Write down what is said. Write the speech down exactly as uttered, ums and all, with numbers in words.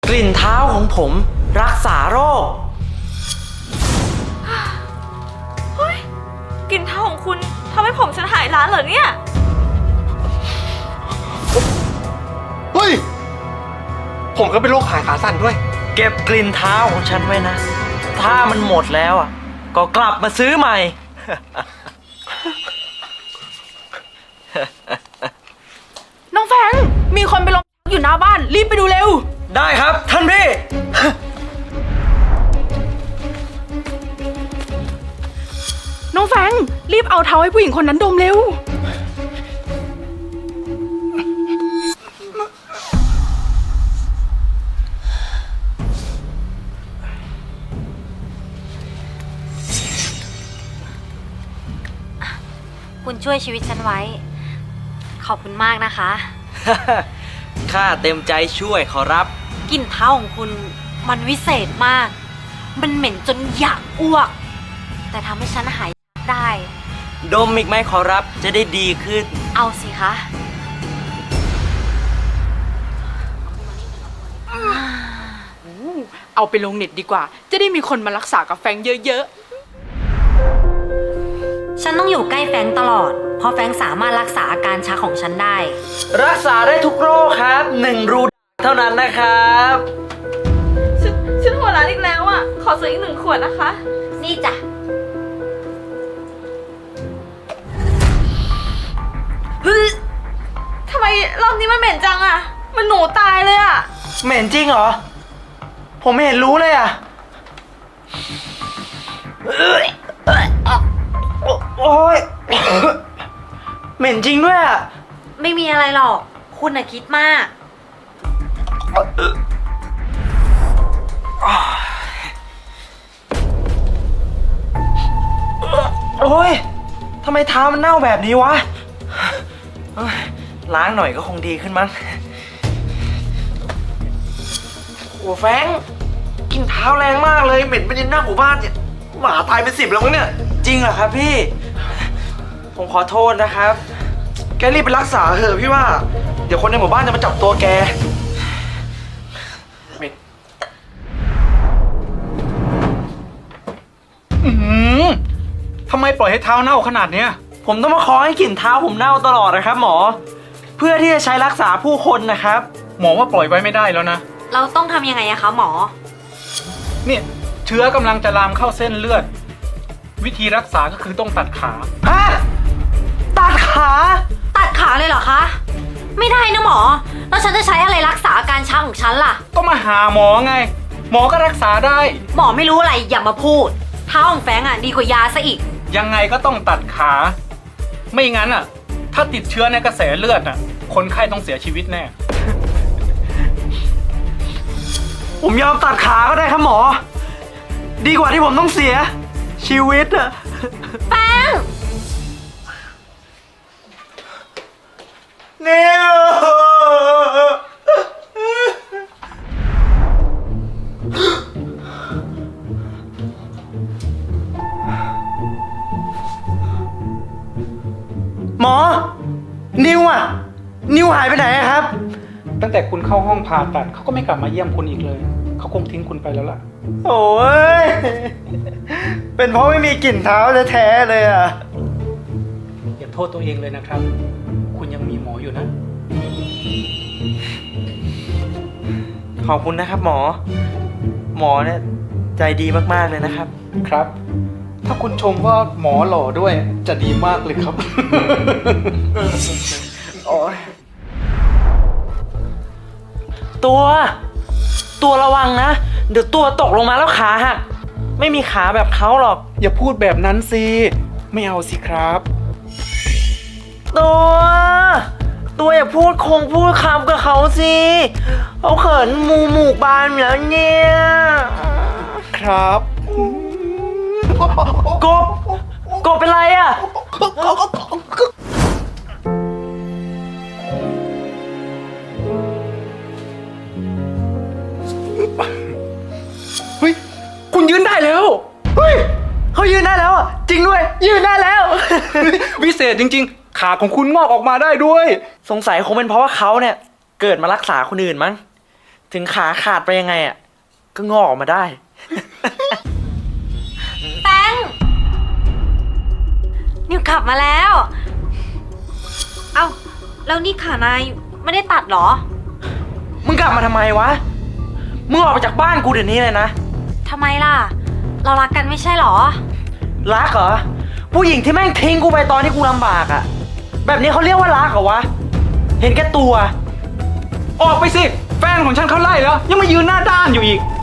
กลิ่นเท้าของผมรักษาโรคเฮ้ยกลิ่นเท้าของคุณทำให้ผมฉันหายร้านเหรอเนี่ยเฮ้ยผมก็เป็นโรคหายขาสั่นด้วยเก็บกลิ่นเท้าของฉันไว้นะถ้ามันหมดแล้วอ่ะก็กลับมาซื้อใหม่น้องแฟงมีคนไปลงอยู่หน้าบ้านรีบไปดูเร็วได้ครับท่านพี่น้องแฟงรีบเอาเท้าให้ผู้หญิงคนนั้นดมเร็วคุณช่วยชีวิตฉันไว้ขอบคุณมากนะคะข้าเต็มใจช่วยขอรับกลิ่นเท้าของคุณมันวิเศษมากมันเหม็นจนอยากอ้วกแต่ทำให้ฉันหายได้ดมอีกไหมขอรับจะได้ดีขึ้นเอาสิคะเอาไปลงเน็ตดีกว่าจะได้มีคนมารักษากับแฟงเยอะๆฉันต้องอยู่ใกล้แฟงตลอดเพราะแฟงสามารถรักษาอาการชักของฉันได้รักษาได้ทุกโรคครับหนึ่งรูเท่านั้นนะครับฉันฉันหัวร้านอีกแล้วอ่ะขอซื้ออีกหนึ่งขวดนะคะนี่จ้ะทำไมรอบนี้มันเหม็นจังอ่ะมันหนูตายเลยอ่ะเหม็นจริงเหรอผมไม่เห็นรู้เลยอ่ะโอ๊ยเหม็นจริงด้วยอ่ะไม่มีอะไรหรอกคุณน่ะคิดมากโอ๊ยทำไมเท้ามันเน่าแบบนี้วะล้างหน่อยก็คงดีขึ้นมั้งโอ้แฟงกินเท้าแรงมากเลยเหม็นไปจนหน้าหมู่บ้านเนี่ยหมาตายเป็นสิบแล้วมั้งเนี่ยจริงเหรอครับพี่ผมขอโทษนะครับแกรีบไปรักษาเถอะพี่ว่าเดี๋ยวคนในหมู่บ้านจะมาจับตัวแกอืมทำไมปล่อยให้เท้าเน่าขนาดเนี้ยผมต้องมาขอให้กลิ่นเท้าผมเน่าตลอดนะครับหมอเพื่อที่จะใช้รักษาผู้คนนะครับหมอว่าปล่อยไว้ไม่ได้แล้วนะเราต้องทำยังไงอะคะหมอเนี่ยเชื้อกำลังจะลามเข้าเส้นเลือดวิธีรักษาก็คือต้องตัดขาฮะตัดขาตัดขาเลยเหรอคะไม่ได้นะหมอแล้วฉันจะใช้อะไรรักษาอาการชักของฉันล่ะก็มาหาหมอไงหมอก็รักษาได้หมอไม่รู้อะไรอย่ามาพูดเท้าของแฟงอะดีกว่ายาซะอีกยังไงก็ต้องตัดขาไม่งั้นอะถ้าติดเชื้อในกระแสเลือดอะคนไข้ต้องเสียชีวิตแน่ผมยอมตัดขาก็ได้ครับหมอดีกว่าที่ผมต้องเสียชีวิตอะแป้งนิวหมอนิวอะนิวหายไปไหนครับตั้งแต่คุณเข้าห้องผ่าตัดเขาก็ไม่กลับมาเยี่ยมคุณอีกเลยเขาคงทิ้งคุณไปแล้วล่ะโอ้ยเป็นเพราะไม่มีกลิ่นเท้าแท้ๆเลยอ่ะอย่าโทษตัวเองเลยนะครับคุณยังมีหมออยู่นะขอบคุณนะครับหมอหมอเนี่ยใจดีมากๆเลยนะครับครับถ้าคุณชมว่าหมอหล่อด้วยจะดีมากเลยครับโอ้ยตัวตัวระวังนะเดี๋ยวตัวตกลงมาแล้วขาหักไม่มีขาแบบเขาหรอกอย่าพูดแบบนั้นสิไม่เอาสิครับตัวตัวอย่าพูดคงพูดคำกับเขาสิเขาเขินมูหมูกบานแล้วเนี่ยครับกบกบเป็นไรอ่ะเฮ้ยคุณยืนได้แล้วเฮ้ยเขายืนได้แล้วอ่ะจริงด้วยยืนได้แล้ววิเศษจริงๆขาของคุณงอกออกมาได้ด้วยสงสัยคงเป็นเพราะว่าเขาเนี่ยเกิดมารักษาคนอื่นมั้งถึงขาขาดไปยังไงอ่ะ ก็งอกออกมาได้แฟงนิวกลับมาแล้ว เอ้า แล้วนี่ขานายไม่ได้ตัดเหรอมึงกลับมาทำไมวะ มึงออกไปจากบ้านกูเดี๋ยวนี้เลยนะทำไมล่ะ เรารักกันไม่ใช่เหรอรักเหรอ ผู้หญิงที่แม่งทิ้งกูไปตอนที่กูลำบากอะแบบนี้เขาเรียกว่ารักเหรอวะ เห็นแก่ตัวออกไปสิ แฟนของฉันเขาไล่แล้ว ยังมายืนหน้าด้านอยู่อีก